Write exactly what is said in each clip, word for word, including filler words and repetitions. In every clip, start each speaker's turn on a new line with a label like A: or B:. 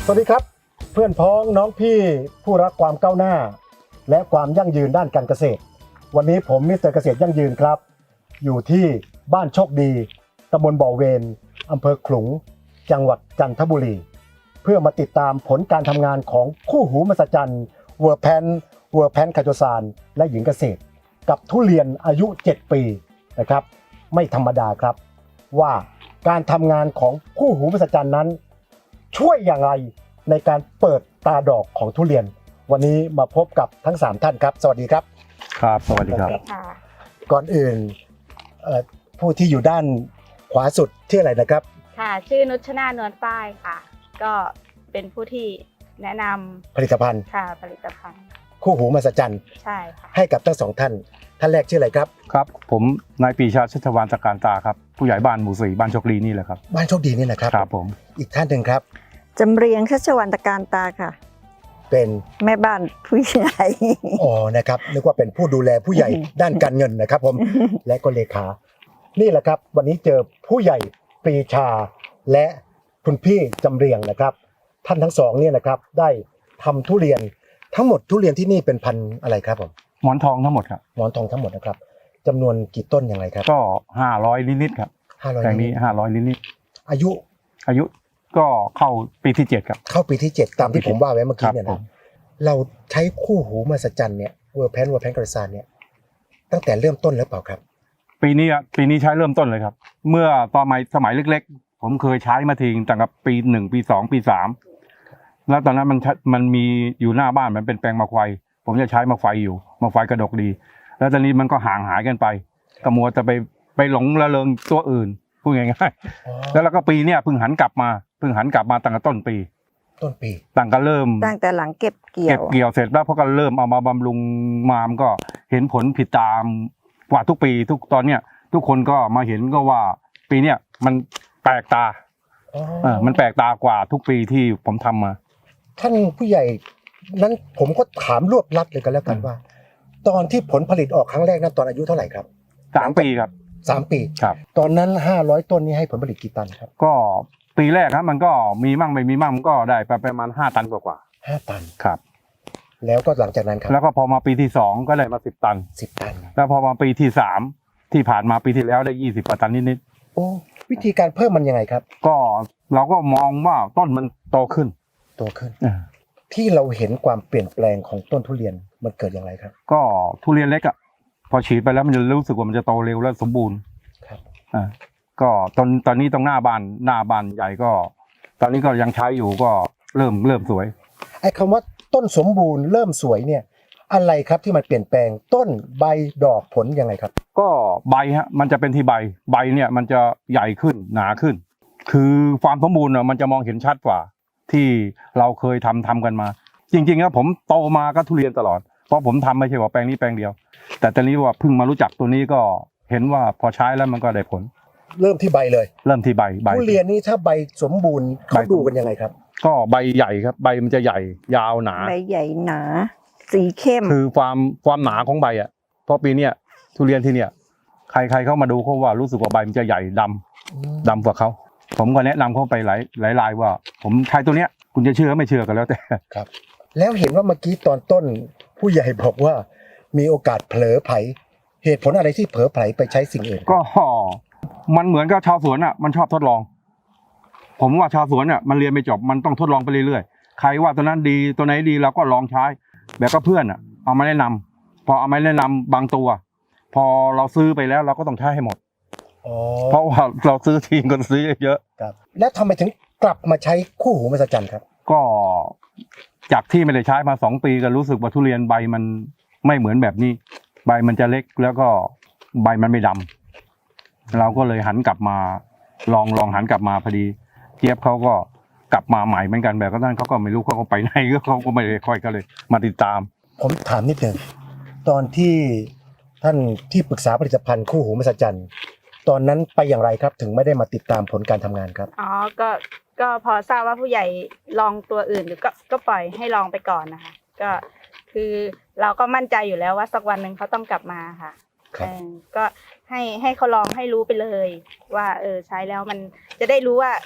A: สวัสดีครับเพื่อนพ้องน้องพี่ผู้รักความก้าวหน้าและความยั่งยืนด้านการเกษตรวันนี้ผมมิสเตอร์เกษตรยั่งยืนครับอยู่ที่บ้านโชคดีตำบลบ่อเวนอำเภอขลุงจังหวัดจันทบุรีเพื่อมาติดตามผลการทำงานของคู่หูมหัศจรรย์เวอร์แพนเวอร์แพนคาโจซานและหญิงเกษตรกับทุเรียนอายุเจ็ดปีนะครับไม่ธรรมดาครับว่าการทำงานของคู่หูมหัศจรรย์นั้นช่วยอย่างไรในการเปิดตาดอกของทุเรียนวันนี้มาพบกับทั้งสามท่านครับสวัสดีครับ
B: ครับสวัสดีครับ
A: ก่อนอื่นผู้ที่อยู่ด้านขวาสุดชื่ออะไรนะครับ
C: ค่ะชื่อนุชนานวลฝ้ายค่ะก็เป็นผู้ที่แนะนำ
A: ผลิตภัณฑ์
C: ค่ะผลิตภัณฑ์
A: คู่หูมหัศจรรย์
C: ใช่ค่ะ
A: ให้กับทั้งสองท่านท่านแรกชื่ออะไรครับ
B: ครับผมนายปรีชาชัชวานตะการตาครับผู้ใหญ่บ้านหมู่สี่บ้านโชคดีนี่แหละครับ
A: บ้านโชคดีนี่แหละครับ
B: ครับผม
A: อีกท่านหนึ่งครับ
D: จำเรียงชัชวรรณตะการตาค่ะ
A: เป็น
D: แม่บ้านผู้ใหญ่
A: อ๋อนะครับนึกว่าเป็นผู้ดูแลผู้ใหญ่ด้านการเงินนะครับผมและก็เลขานี่แหละครับวันนี้เจอผู้ใหญ่ปรีชาและคุณพี่จำเรียงนะครับท่านทั้งสองเนี่ยนะครับได้ทำทุเรียนทั้งหมดทุเรียนที่นี่เป็นพันธุ์อะไรครับผม
B: หมอนทองทั้งหมดครับ
A: หมอนทองทั้งหมดนะครับจำนวนกี่ต้นอย่างไรครับ
B: ก็ห้าร้อยนิดๆครับ
A: ห้าร้อย
B: แปลงนี้ห้าร้อยนิด
A: ๆอายุ
B: อายุก็เข้าปีที่เจ็ดครับ
A: เข้าปีที่เจ็ดตามที่ผมว่าไว้เมื่อกี้เนี่ยนะเราใช้คู่หูมหัศจรรย์เนี่ยเวอร์แพนเวอร์แพนกระซานเนี่ยตั้งแต่เริ่มต้นแล้วเปล่าครับ
B: ปีนี้ปีนี้ใช้เริ่มต้นเลยครับเมื่อตอนสมัยเล็กๆผมเคยใช้มาทิ้งตั้งแต่ปีหนึ่งปีสองปีสามแล้วตอนนั้นมันมันมีอยู่หน้าบ้านมันเป็นแปลงมะไฟผมจะใช้มะไฟอยู่มะไฟกระดกดีแล้วตอนนี้มันก็ห่างหายกันไปกระมัวจะไปไปหลงระเริงตัวอื่นพูดง่ายๆแล้วเราก็ปีเนี้ยเพิ่งหันกลับมาเพิ่งหันกลับมาตั้งแต่ต้นปี
A: ต้นปี
B: ตั้งก็เริ่ม
D: ตั้งแต่หลังเก็บเกี่ยว
B: เก็บเกี่ยวเสร็จแล้วพอก็เริ่มเอามาบำรุงมามก็เห็นผลผิดตามกว่าทุกปีทุกตอนเนี้ยทุกคนก็มาเห็นก็ว่าปีเนี้ยมันแปลกตาเออมันแปลกตากว่าทุกปีที่ผมทำมา
A: ท่านผู้ใหญ่นั้นผมก็ถามรวบลัดเลยกันแล้วกันว่าตอนที่ผลผลิตออกครั้งแรกนั้นตอนอายุเท่าไหร่ครับ
B: สามปีครับ
A: สามปี
B: ครับ
A: ตอนนั้นห้าร้อยต้นนี้ให้ผลผลิตกี่ตันครับ
B: ก็ปีแรกครับมันก็มีมั่งไม่มีมั่งมันก็ได้ประมาณห้าตันกว่า
A: ๆห้าตัน
B: ครับ
A: แล้วก็หลังจากนั้นครับ
B: แล้วก็พอมาปีที่สองก็ได้มาสิบตัน
A: สิบตัน
B: แล้วพอมาปีที่สามที่ผ่านมาปีที่แล้วได้ยี่สิบตันนิด
A: ๆโอ้วิธีการเพิ่มมันยังไงครับ
B: ก็เราก็มองว่าต้นมันโตขึ้น
A: โตขึ้นที่เราเห็นความเปลี่ยนแปลงของต้นทุเรียนมันเกิดอย่างไรครับ
B: ก็ทุเรียนเล็กอ่ะพอฉีดไปแล้วมันจะรู้สึกว่ามันจะโตเร็วและสมบูรณ์
A: ครับ
B: อ่าก็ตอนตอนนี้ตรงหน้าบ้านหน้าบ้านใหญ่ก็ตอนนี้ก็ยังใช้อยู่ก็เริ่มเริ่มสวย
A: ไอ้คำว่าต้นสมบูรณ์เริ่มสวยเนี่ยอะไรครับที่มันเปลี่ยนแปลงต้นใบดอกผลยังไงครับ
B: ก็ใบฮะมันจะเป็นที่ใบใบเนี่ยมันจะใหญ่ขึ้นหนาขึ้นคือความสมบูรณ์อ่ะมันจะมองเห็นชัดกว่าที่เราเคยทำทำกันมาจริงๆแล้วผมโตมาก็ทุเรียนตลอดเพราะผมทำไม่ใช่ว่าแปลงนี้แปลงเดียวแต่ตอนนี้ว่าเพิ่งมารู้จักตัวนี้ก็เห็นว่าพอใช้แล้วมันก็ได้ผล
A: เริ่มที่ใบเลย
B: เริ่มที่ใบใบ
A: ทุเรียนนี่ถ้าใบสมบูรณ์เขาดูกันยังไงครับ
B: ก็ใบใหญ่ครับใบมันจะใหญ่ยาวหนา
D: ใบใหญ่หนาสีเข้ม
B: คือความความหนาของใบอ่ะเพราะปีเนี้ยทุเรียนที่เนี้ยใครใครเข้ามาดูเขาว่ารู้สึกว่าใบมันจะใหญ่ดำดำกว่าเขาผมก็แนะนำเขาไปหลายหลายรายว่าผมใช้ตัวเนี้ยคุณจะเชื่อไม่เชื่อกันแล้วแต่
A: ครับแล้วเห็นว่าเมื่อกี้ตอนต้นผู้ใหญ่บอกว่ามีโอกาสเผลอไผเหตุผลอะไรที่เผลอไผไปใช้สิ่งอื่น
B: ก็มันเหมือนกับชาวสวนอ่ะมันชอบทดลองผมว่าชาวสวนอ่ะมันเรียนไม่จบมันต้องทดลองไปเรื่อยๆใครว่าตัวนั้นดีตัวไหนดีเราก็ลองใช้แบบก็เพื่อนอ่ะเอามาแนะนำพอเอามาแนะนำบางตัวพอเราซื้อไปแล้วเราก็ต้องใช้ให้หมดเพราะว่าเราซื้อทีก็ซื้อเยอะ
A: ครับแล้วทำไมถึงกลับมาใช้คู่หูมหัศจรรย์ครับ
B: ก็จากที่ไม่ได้ใช้มาสองปีก็รู้สึกว่าทุเรียนใบมันไม่เหมือนแบบนี้ใบมันจะเล็กแล้วก็ใบมันไม่ดำเราก็เลยหันกลับมาลองลองหันกลับมาพอดีเจี๊ยบเขาก็กลับมาใหม่เหมือนกันแบบก็ท่านเขาก็ไม่รู้เขาก็ไปไหนก็เขาก็ไม่ได้ค่อยก็เลยมาติดตาม
A: ผมถามนิดนึงตอนที่ท่านที่ปรึกษาผลิตภัณฑ์คู่หูมหัศจรรย์ตอนนั้นไปอย่างไรครับถึงไม่ได้มาติดตามผลการทำงานครับ
C: อ๋อก็ก็พอทราบว่าผู้ใหญ่ลองตัวอื่นหรือก็ก็ปล่อยให้ลองไปก่อนนะคะก็คือเราก็มั่นใจอยู่แล้วว่าสักวันหนึ่งเขาต้องกลับมาค่ะก็ให้ให้เขาลองให้รู้ไปเลยว่าเออใช้แล้วมันจะได้รู้ว่า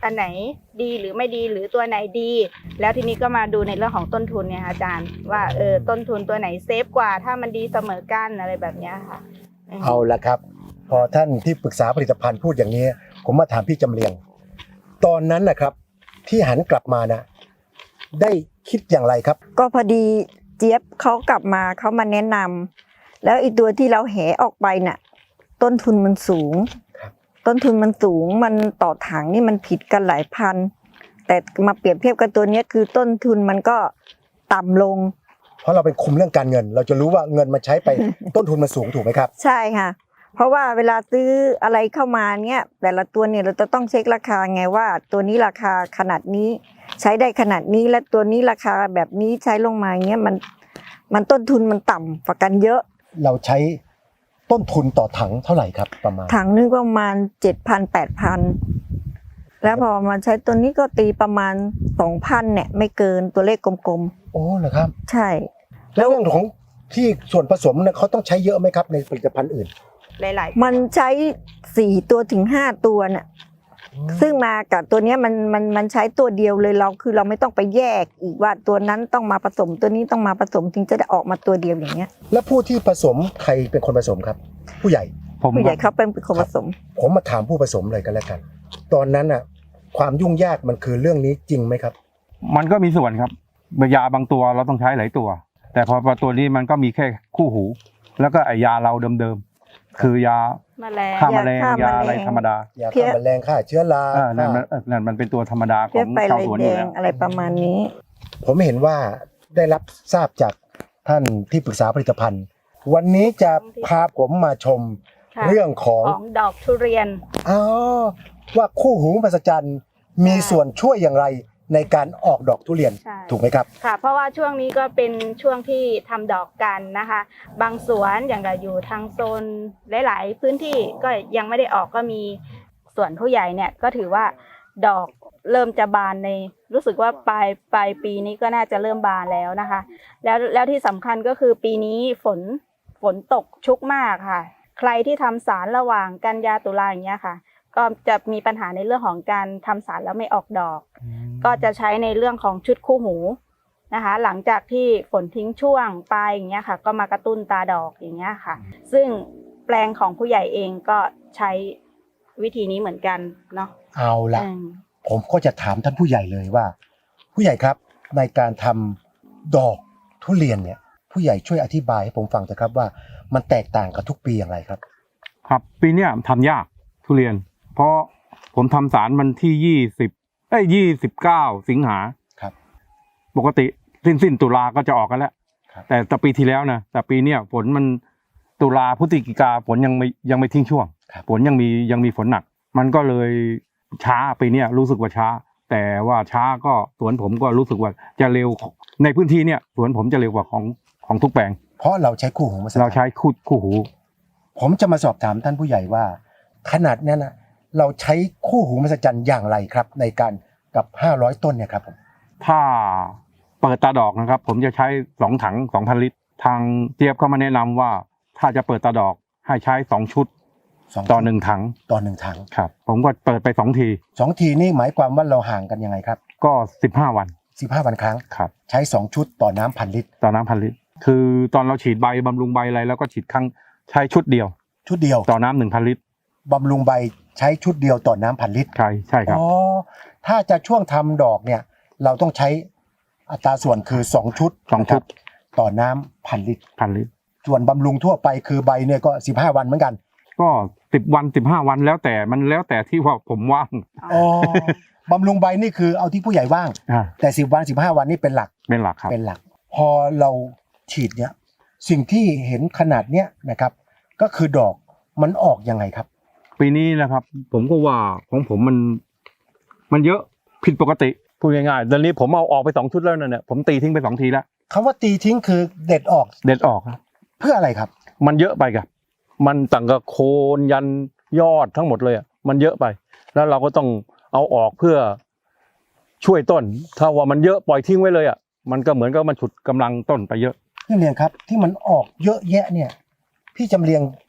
C: อันไหนดีหรือไม่ดีหรือตัวไหนดี แล้วทีนี้ก็มาดูในเรื่องของต้นทุนเนี่ยค่ะอาจารย์ว่าเออต้นทุนตัวไหนเซฟกว่าถ้ามันดีเสมอกันอะไรแบบเนี้ยค่ะม
A: เอาละครับ พอท่านที่ปรึกษาผลิตภัณฑ์พูดอย่างนี้ ผมมาถามพี่จำเรียง ตอนนั้นนะครับที่หันกลับมานะได้คิดอย่างไรครับ
D: ก็พอดีเจี๊ยบเขากลับมาเขามาแนะนำแล้วไอีตัวที่เราแหออกไปน่ะต้นทุนมันสูง
A: ครับ
D: ต้นทุนมันสูงมันต่อถังนี่มันผิดกันหลายพัน แต่มาเปรียบเทียบกับตัวเนี้ยคือต้นทุนมันก็ต่ำลง
A: เพราะเราเป็นคุมเรื่องการเงิน เราจะรู้ว่าเงินมันใช้ไป ต้นทุนมันสูงถูกไหมครับ
D: ใช่ค่ะ เพราะว่าเวลาซื้ออะไรเข้ามาเนี่ยแต่ละตัวเนี่ยเราจะต้องเช็คราคาไงว่าตัวนี้ราคาขนาดนี้ใช้ได้ขนาดนี้และตัวนี้ราคาแบบนี้ใช้ลงมาเงี้ยมันมันต้นทุนมันต่ำกว่ากันเยอะ
A: เราใช้ต้นทุนต่อถังเท่าไหร่ครับประมาณ
D: ถังนึงประมาณเจ็ดพันแปดพันแล้วพอมาใช้ตัวนี้ก็ตีประมาณสองพันเนี่ยไม่เกินตัวเลขกลม
A: โอ้เหรอครับ
D: ๆใช่
A: แล้วเรื่องของที่ส่วนผสมเนี่ยเขาต้องใช้เยอะไหมครับในผลิตภัณฑ์อื่น
C: หลายๆ
D: มันใช้สี่ตัวถึงห้าตัวน่ะซึ่งมากับตัวเนี้ยมันมันมันใช้ตัวเดียวเลยเราคือเราไม่ต้องไปแยกอีกว่าตัวนั้นต้องมาผสมตัวนี้ต้องมาผสมถึงจะได้ออกมาตัวเดียวอย่างเงี้ย
A: แล้วผู้ที่ผสมใครเป็นคนผสมครับ ผู้ใหญ่
B: ผม
D: ผู้ใหญ่เขาเป็นคนผสม
A: ผมมาถามผู้ผสมเลยกันแล้วกัน ตอนนั้นอ่ะความยุ่งยากมันคือเรื่องนี้จริงไหมครับ
B: มันก็มีส่วนครับยาบางตัวเราต้องใช้หลายตัว แต่พอพอตัวนี้มันก็มีแค่คู่หู แล้วก็ไอยาเราเดิมๆคือยา
C: แมลง
B: ฆ่าแมลง
D: ยาฆ่าแมลง
B: ยาอะไรธรรมดา
A: ยาฆ่าแมลงฆ่าเชื้อรา
B: อ่านั่น
A: ฆ่า
B: มันเออนั่นมันเป็นตัวธรรมดาข
D: เพี้
B: อย ง
D: ไป
B: ชาว
D: ลาย
B: สวน
D: แด
B: อยู่
D: ง
B: แล้ว
D: อะไรประมาณนี้
A: ผมเห็นว่าได้รับทราบจากท่านที่ปรึกษาผลิตภัณฑ์ วันนี้จะพาผมมาชม
C: ค่ะ
A: เรื่องของ
C: ของดอกทุเรียน
A: อ๋อว่าคู่หูมหัศจรรย์มีส่วนช่วยอย่างไรในการออกดอกทุเรียน
C: ใช่
A: ถูกไหมครับ
C: ค่ะ เพราะว่าช่วงนี้ก็เป็นช่วงที่ทำดอกกันนะคะ บางสวนอย่างกับอยู่ทางโซนหลาย ๆ พื้นที่ก็ยังไม่ได้ออกก็มีส่วนผู้ใหญ่เนี่ยก็ถือว่าดอกเริ่มจะบานในรู้สึกว่าปลายปลายปีนี้ก็น่าจะเริ่มบานแล้วนะคะ แล้วแล้วที่สำคัญก็คือปีนี้ฝนฝนตกชุกมากค่ะ ใครที่ทำสารระหว่างกันยาตุลาอย่างเงี้ยค่ะ ก็จะมีปัญหาในเรื่องของการทำสารแล้วไม่ออกดอก ก็จะใช้ในเรื่องของชุดคู่หูนะคะ หลังจากที่ฝนทิ้งช่วงไปอย่างเงี้ยค่ะ ก็มากระตุ้นตาดอกอย่างเงี้ยค่ะ ซึ่งแปลงของผู้ใหญ่เองก็ใช้วิธีนี้เหมือนกันเนาะ
A: เอาละ
C: อืม
A: ผมก็จะถามท่านผู้ใหญ่เลยว่า ผู้ใหญ่ครับในการทำดอกทุเรียนเนี่ยผู้ใหญ่ช่วยอธิบายให้ผมฟังเถอะครับว่ามันแตกต่างกับทุกปีอย่างไรครับ
B: ครับปีเนี้ยทำยากทุเรียน เพราะผมทำสารมันที่ยี่สิบเอ้ยยี่สิบเก้าสิงหา
A: ครับ
B: ปกติสิ้นสิ้นตุลาก็จะออกกันแล้ว
A: ครับ
B: แต่แต่ปีที่แล้วนะแต่ปีเนี้ยฝนมันตุลาพฤศจิกาฝนยังไม่ยังไม่ทิ้งช่วง
A: ครับ
B: ฝนยังมียังมีฝนหนัก มันก็เลยช้าปีเนี้ยรู้สึกว่าช้า แต่ว่าช้าก็สวนผมก็รู้สึกว่าจะเร็วในพื้นที่เนี่ยสวนผมจะเร็วกว่าของของทุกแปลง
A: เพราะเราใช้คู่หูมหัศจรรย์
B: เราใช้คู่คู่หู
A: ผมจะมาสอบถามท่านผู้ใหญ่ว่า ขนาดนั้นนะเราใช้คู่หูมหัศจรรย์อย่างไรครับ ในการกับห้าร้อยต้นเนี่ยครับผม
B: ถ้าเปิดตาดอกนะครับ ผมจะใช้สองถังสองพันลิตร ทางเจี๊ยบเขามาแนะนำว่า ถ้าจะเปิดตาดอกให้ใช้สองชุด
A: สอง
B: ต่อหนึ่งถัง
A: ต่อหนึ่งถัง
B: ครับ ผมก็เปิดไปสองที
A: สองทีนี่หมายความว่าเราห่างกันยังไงครับ
B: ก็สิบห้าวัน
A: สิบห้าวันครั้ง
B: ครับ
A: ใช้สองชุดต่อน้ำพันลิตร
B: ต่อน้ำพันลิตร คือตอนเราฉีดใบบำรุงใบอะไรแล้วก็ฉีดครั้งใช้ชุดเดียว
A: ชุดเดียว
B: ต่อน้ำหนึ่งพันลิตร
A: บำรุงใบใช้ชุดเดียวต่อน้ำพันลิตร
B: ใช่ใช่ครับ
A: อ๋อถ้าจะช่วงทำดอกเนี่ยเราต้องใช้อัตราส่วนคือสองชุด
B: สองชุด
A: นะครับต่อน้ำพันลิตร
B: พันลิตร
A: ส่วนบำรุงทั่วไปคือใบเนี่ยก็สิบห้าวันเหมือนกัน
B: ก็สิบวันสิบห้าวันแล้วแต่มันแล้วแต่ที่ว่าผมว่าง
A: อ๋อบำรุงใบนี่คือเอาที่ผู้ใหญ่ว่าง
B: อ่า
A: แต่สิบวันสิบห้าวันนี่เป็นหลัก
B: เป็นหลักครับ
A: เป็นหลัก พอเราฉีดเนี่ยสิ่งที่เห็นขนาดเนี้ยนะครับ ก็คือดอกมันออกยังไงครับ
B: ปีนี้นะครับ ผมก็ว่าของผมมัน มันเยอะผิดปกติพูดง่ายๆตอนนี้ผมเอาออกไปสองชุดแล้วเนี่ยผมตีทิ้งไปสองทีแล้ว
A: คำว่าตีทิ้งคือเด็ดออก
B: เด็ดออกครับ
A: เพื่ออะไรครับ
B: มันเยอะไปครับมันตั้งกับโคนยันยอดทั้งหมดเลยอ่ะมันเยอะไป แล้วเราก็ต้องเอาออกเพื่อช่วยต้น ถ้าว่ามันเยอะปล่อยทิ้งไว้เลยอ่ะมันก็เหมือนกับมันฉุดกำลังต้นไปเยอะ
A: พี่จำเรียงครับที่มันออกเยอะแยะเนี่ย พี่จำเรียง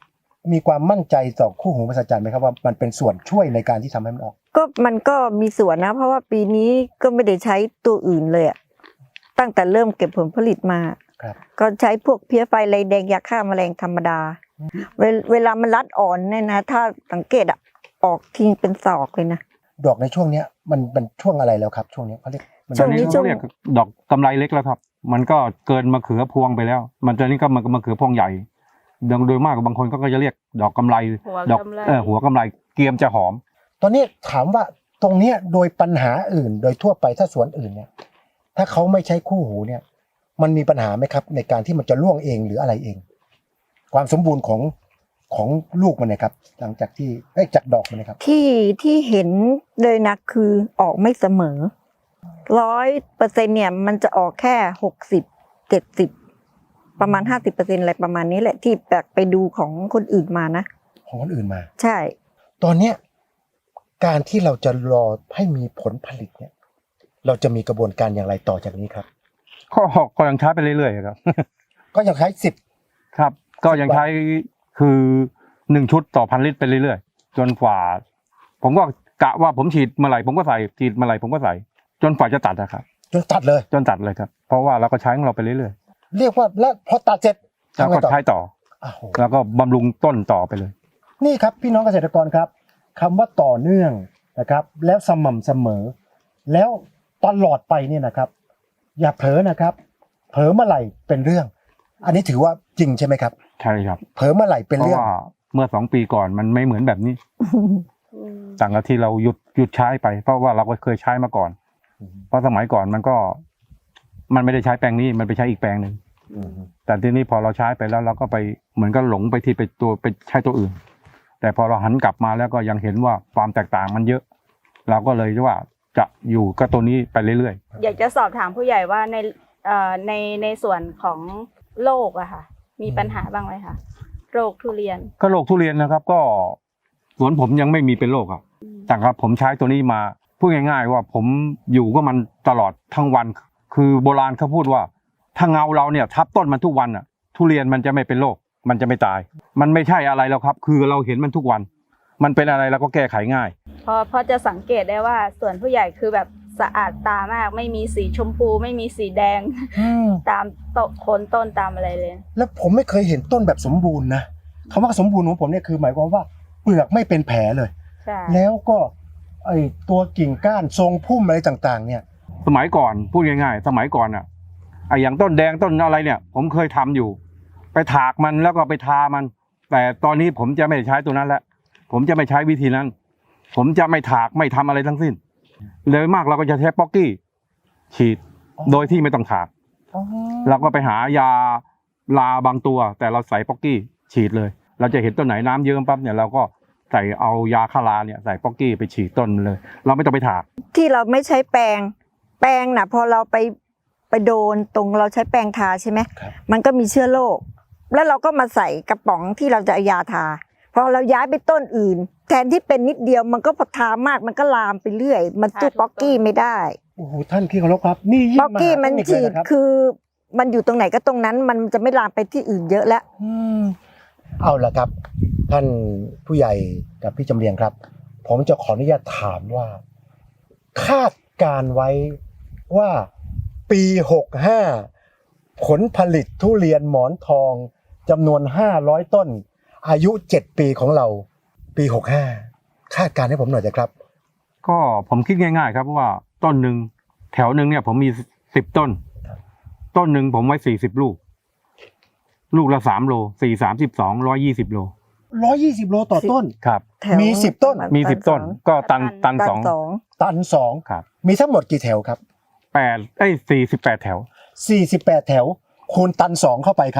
A: มีความมั่นใจต่อคู่หูมหัศจรรย์ไหมครับว่ามันเป็นส่วนช่วยในการที่ทำให้มันออก
D: ก็มันก็มีส่วนนะ เพราะว่าปีนี้ก็ไม่ได้ใช้ตัวอื่นเลยอะตั้งแต่เริ่มเก็บผลผลิตมา
A: ครับ
D: ก็ใช้พวกเพี้ยไฟลายแดงยาฆ่าแมลงธรรมดา เวลเวลามันรัดอ่อนเนี่ยนะ ถ้าสังเกตอะออกทิ้งเป็นศอกเลยนะ
A: ดอกในช่วงเนี้ยมันเป็นช่วงอะไรแล้วครับ ช่วงเนี้ยเขาเรียกมัน
D: ช่วงนี้
B: ตอเขาเรียกดอกกำไรเล็กแล้วครับ มันก็เกินมะเขือพวงไปแล้ว มันตอนนี้ก็มันมะเขือพวงใหญ่โดยโดยมากบางคนก็จะเรียกดอกกำไร
C: หัว
B: ดอก
C: กำไร
B: เออหัวกำไรเกรียมจะหอม
A: ตอนนี้ถามว่าตรงเนี้ยโดยปัญหาอื่นโดยทั่วไปถ้าสวนอื่นเนี่ย ถ้าเขาไม่ใช้คู่หูเนี่ย มันมีปัญหาไหมครับ ในการที่มันจะร่วงเองหรืออะไรเอง ความสมบูรณ์ของของลูกมันนะครับ หลังจากที่ได้ยจากดอกมันนะครับ
D: ที่ที่เห็นเลยนะคือออกไม่เสมอร้อยเปอร์เซ็นเนี่ยมันจะออกแค่หกสิบเจ็ดสิบประมาณห้าสิบเปอร์เซ็นอะไรประมาณนี้แหละที่แปลกไปดูของคนอื่นมานะ
A: ของคนอื่นมา
D: ใช่
A: ตอนเนี้ยการที่เราจะรอให้มีผลผลิตเนี่ย เราจะมีกระบวนการอย่างไรต่อจากนี้ครับ
B: ก็ก็ยังใช้ไปเรื่อยๆครับ
A: ก็ยังใช้สิบ
B: ครับ ก็ยังใช้คือหนึ่งชุดต่อพันลิตรไปเรื่อยๆจนกว่า ผมก็กะว่าผมฉีดเมื่อไหร่ผมก็ใส่ฉีดเมื่อไหร่ผมก็ใส่ จนกว่าจะตัดนะครับ
A: จนตัดเลย
B: จนตัดเลยครับ เพราะว่าเราก็ใช้ของเราไปเรื่อย
A: เรียกว่าแล้วพอตัดเสร็จ
B: ๆแล้ว
A: ทำไง
B: ก็
A: ต่อ
B: ใช้ต่อ
A: อ้าวโห
B: แล้วก็บำรุงต้นต่อไปเลย
A: นี่ครับพี่น้องเกษตรกรครับคำว่าต่อเนื่องนะครับ แล้วสม่ำเสมอ แล้วตลอดไปเนี่ยนะครับ อย่าเผลอนะครับ เผลอเมื่อไหร่เป็นเรื่อง อันนี้ถือว่าจริงใช่ไหมครับ
B: ใช่ครับ
A: เผลอเมื่อไหร่เป็น
B: เพราะ
A: เรื่อง
B: ว่าเมื่อสองปีก่อนมันไม่เหมือนแบบนี้
C: อืม
B: ต่างกับที่เราหยุดหยุดใช้ไป เพราะว่าเราก็เคยใช้มาก่อน เพราะสมัยก่อนมันก็ มันไม่ได้ใช้แปลงนี้มันไปใช้อีกแปลงหนึ่งแต่ทีนี้พอเราใช้ไปแล้วเราก็ไปเหมือนก็หลงไปที่ไปตัวไปใช้ตัวอื่น แต่พอเราหันกลับมาแล้วก็ยังเห็นว่าความแตกต่างมันเยอะ เราก็เลยว่าจะอยู่กับตัวนี้ไปเรื่อย
C: อยากจะสอบถามผู้ใหญ่ว่าในเอ่อในในส่วนของโรคอะค่ะ มีปัญหาบ้างไหมคะโรคทุเรียน
B: ๆก็โรคทุเรียนนะครับ ก็สวนผมยังไม่มีเป็นโรคครับ แต่ครับผมใช้ตัวนี้มาพูดง่ายๆว่าผมอยู่ก็มันตลอดทั้งวัน คือโบราณเขาพูดว่า ถ้าเงาเราเนี่ยทับต้นมันทุกวันอ่ะ ทุเรียนมันจะไม่เป็นโรคมันจะไม่ตาย มันไม่ใช่อะไรแล้วครับ คือเราเห็นมันทุกวัน มันเป็นอะไรเราก็แก้ไขง่าย
C: พอพอจะสังเกตได้ว่าส่วนผู้ใหญ่คือแบบสะอาดตามาก ไม่มีสีชมพู ไม่มีสีแดง ตามโตะโคนต้นตามอะไรเลย
A: แล้วผมไม่เคยเห็นต้นแบบสมบูรณ์นะคำว่าสมบูรณ์ของผมเนี่ยคือหมายความว่าเปลือกไม่เป็นแผลเลย
C: ใช่
A: แล้วก็ไอตัวกิ่งก้านทรงพุ่มอะไรต่างๆ เนี่ย
B: สมัยก่อนพูดง่ายๆ สมัยก่อนอ่ะไอ้อย่างต้นแดงต้นอะไรเนี่ย ผมเคยทำอยู่ ไปถากมันแล้วก็ไปทามัน แต่ตอนนี้ผมจะไม่ใช้ตัวนั้นแล้วผมจะไม่ใช้วิธีนั้น ผมจะไม่ถากไม่ทำอะไรทั้งสิ้นเลยมากเราก็จะใช้ป๊อกกี้ฉีด
A: อ๋อ
B: โดยที่ไม่ต้องถาก
A: อ๋อ
B: เราก็ไปหายาลาบางตัว แต่เราใส่ป๊อกกี้ฉีดเลย เราจะเห็นต้นไหนน้ำเยิ้มปั๊บเนี่ยเราก็ใส่เอายาฆ่าราเนี่ยใส่ป๊อกกี้ไปฉีดต้นมันเลย เราไม่ต้องไปถาก
D: ที่เราไม่ใช้แปรงแปรงน่ะพอเราไปไปโดนตรงเราใช้แปรงทาใช่ไหม
A: ครับ
D: มันก็มีเชื้อโรคแล้วเราก็มาใส่กระป๋องที่เราจะเอายาทาพอเราย้ายไปต้นอื่น แทนที่เป็นนิดเดียวมันก็พอทามากมันก็ลามไปเรื่อย มันสู้ป๊อกกี้ไม่ได้
A: โอ้โหท่านที่เคารพครับ นี่ยิ่ง
D: ป๊อกกี้มัน
A: หาเทค
D: ฉี
A: เลย
D: ด
A: นะครับ
D: คือมันอยู่ตรงไหนก็ตรงนั้น มันจะไม่ลามไปที่อื่นเยอะแล้ว
A: อืมเอาละครับ ท่านผู้ใหญ่กับพี่จำเรียงครับ ผมจะขออนุญาตถามว่า คาดการไว้ว่าปีหกห้าผลผลิตทุเรียนหมอนทองจำนวนห้าร้อยต้น อายุเจ็ดปีของเรา ปีหกห้าคาดการณ์ให้ผมหน่อยสิครับ
B: ก็ผมคิดง่ายๆ ครับว่าต้นหนึ่งแถวหนึ่งเนี่ยผมมีสิบต้น ต้นหนึ่งผมไว้สี่สิบลูก ลูกละสามโลสี่สามสิบสองร้อยยี่สิบโล
A: ร้อยยี่สิบโลต่อต้น
B: ครับ
D: แถว
A: มีสิบต้น
B: มีสิบต้น ก็ตันตัน
D: ตัน
B: สอง
D: สอง
A: ตันสอง
B: ครับ
A: มีทั้งหมดกี่แถวครับ
B: แปดเอ้ยสี่สิบแปดแถว
A: สี่สิบแปดแถว คูณตันสองเข้าไปครับ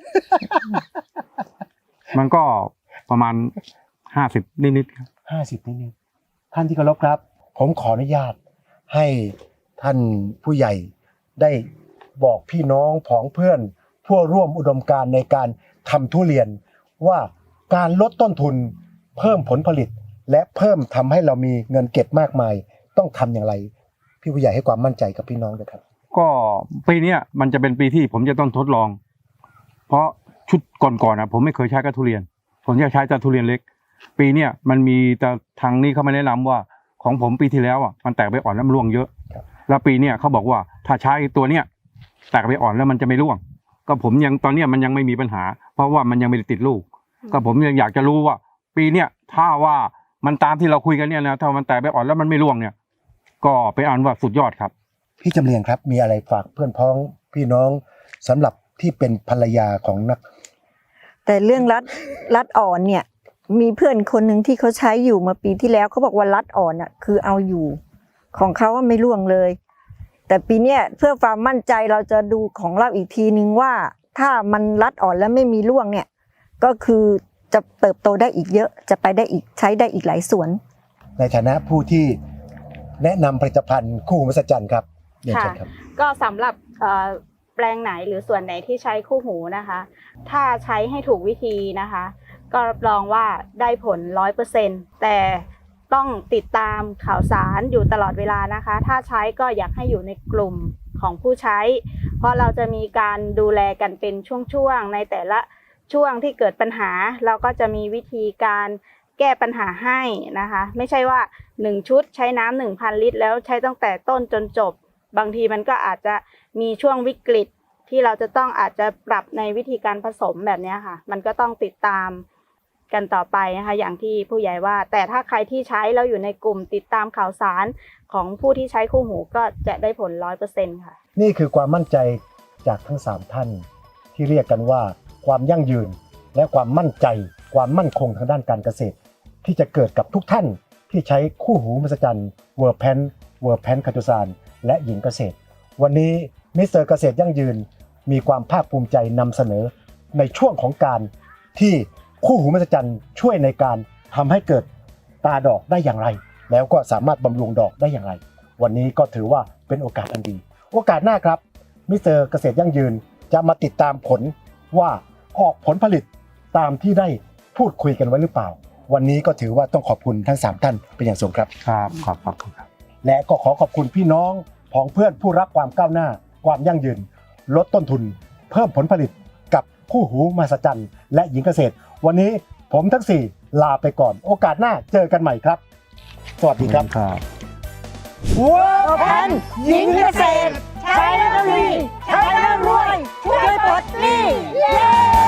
B: มันก็ประมาณห้าสิบนิดๆครับ
A: ห้าสิบนิดๆท่านที่เคารพครับ ผมขออนุญาตให้ท่านผู้ใหญ่ได้บอกพี่น้องผองเพื่อนผู้ร่วมอุดมการณ์ในการทำทุเรียน ว่าการลดต้นทุนเพิ่มผลผลิต และเพิ่มทำให้เรามีเงินเก็บมากมาย ต้องทำอย่างไร พี่ผู้ใหญ่ให้ความมั่นใจกับพี่น้องด้วยครับ
B: ก็ปีเนี้ยมันจะเป็นปีที่ผมจะต้องทดลอง เพราะชุดก่อนๆนะผมไม่เคยใช้กับทุเรียนผมจะใช้แต่ทุเรียนเล็ก ปีเนี้ยมันมีแต่ทางนี้เขาไม่แนะนำว่าของผมปีที่แล้วอ่ะมันแตกใบอ่อนแล้วมันร่วงเยอะ แล้วปีเนี้ยเขาบอกว่าถ้าใช้ตัวเนี้ยแตกใบอ่อนแล้วมันจะไม่ร่วง ก็ผมยังตอนเนี้ยมันยังไม่มีปัญหา เพราะว่ามันยังไม่ได้ติดลูก ก็ผมยังอยากจะรู้ว่า ปีเนี้ยถ้าว่ามันตามที่เราคุยกันเนี่ยนะถ้ามันแตกใบอ่อนแล้วมันไม่ร่วงเนี่ย ก็ไปอ่านว่าสุดยอดครับ
A: พี่จำเรียงครับมีอะไรฝากเพื่อนพ้องพี่น้องสำหรับที่เป็นภรรยาของนัก
D: แต่เรื่องรัดรัดอ่อนเนี่ยมีเพื่อนคนหนึ่งที่เขาใช้อยู่มาปีที่แล้วเขาบอกว่ารัดอ่อนอ่ะคือเอาอยู่ของเขาว่าไม่ร่วงเลย แต่ปีเนี้ยเพื่อความมั่นใจเราจะดูของเราอีกทีนึงว่าถ้ามันรัดอ่อนแล้วไม่มีร่วงเนี่ยก็คือจะเติบโตได้อีกเยอะจะไปได้อีกใช้ได้อีกหลายสวน
A: ในฐานะผู้ที่แนะนำผลิตภัณฑ์คู่หูมหัศจรรย์ครับเรียนเชิญครับ
C: ก็สำหรับเอ่อแปลงไหนหรือส่วนไหนที่ใช้คู่หูนะคะ ถ้าใช้ให้ถูกวิธีนะคะ ก็รับรองว่าได้ผล ร้อยเปอร์เซ็นต์ แต่ต้องติดตามข่าวสารอยู่ตลอดเวลานะคะ ถ้าใช้ก็อยากให้อยู่ในกลุ่มของผู้ใช้ เพราะเราจะมีการดูแลกันเป็นช่วงๆในแต่ละช่วงที่เกิดปัญหาเราก็จะมีวิธีการแก้ปัญหาให้นะคะ ไม่ใช่ว่าหนึ่งชุดใช้น้ำ หนึ่งพัน ลิตรแล้วใช้ตั้งแต่ต้นจนจบบางทีมันก็อาจจะมีช่วงวิกฤตที่เราจะต้องอาจจะปรับในวิธีการผสมแบบนี้ค่ะมันก็ต้องติดตามกันต่อไปนะคะอย่างที่ผู้ใหญ่ว่าแต่ถ้าใครที่ใช้แล้วอยู่ในกลุ่มติดตามข่าวสารของผู้ที่ใช้คู่หูก็จะได้ผล ร้อยเปอร์เซ็นต์ ค่ะ
A: นี่คือความมั่นใจจากทั้งสามท่านที่เรียกกันว่าความยั่งยืนและความมั่นใจความมั่นคงทางด้านการเกษตร ที่จะเกิดกับทุกท่านที่ใช้คู่หูมหัศจรรย์เวอร์แพนเวอร์แพนคาตูซานและหญิงเกษตร วันนี้มิสเตอร์เกษตรยั่งยืนมีความภาคภูมิใจนำเสนอในช่วงของการที่คู่หูมหัศจรรย์ช่วยในการทำให้เกิดตาดอกได้อย่างไร แล้วก็สามารถบำรุงดอกได้อย่างไร วันนี้ก็ถือว่าเป็นโอกาสอันดี โอกาสหน้าครับมิสเตอร์เกษตรยั่งยืนจะมาติดตามผลว่าออกผลผลิตตามที่ได้พูดคุยกันไว้หรือเปล่า วันนี้ก็ถือว่าต้องขอบคุณทั้งสามท่านเป็นอย่างสูงครับ
B: ครับขอบขอบคุณครับ
A: และก็ขอขอบคุณพี่น้องผองเพื่อนผู้รักความก้าวหน้า ความยั่งยืน ลดต้นทุน เพิ่มผลผลิตกับคู่หูมหัศจรรย์และหญิงเกษตร วันนี้ผมทั้งสี่ลาไปก่อน โอกาสหน้าเจอกันใหม่ครับ สวัสดีครับ
B: ครับ
A: วัว
D: แพนหญิงเกษตรใช้แล้วดีใช้แล้วรวยช่วยปลดหนี้เย้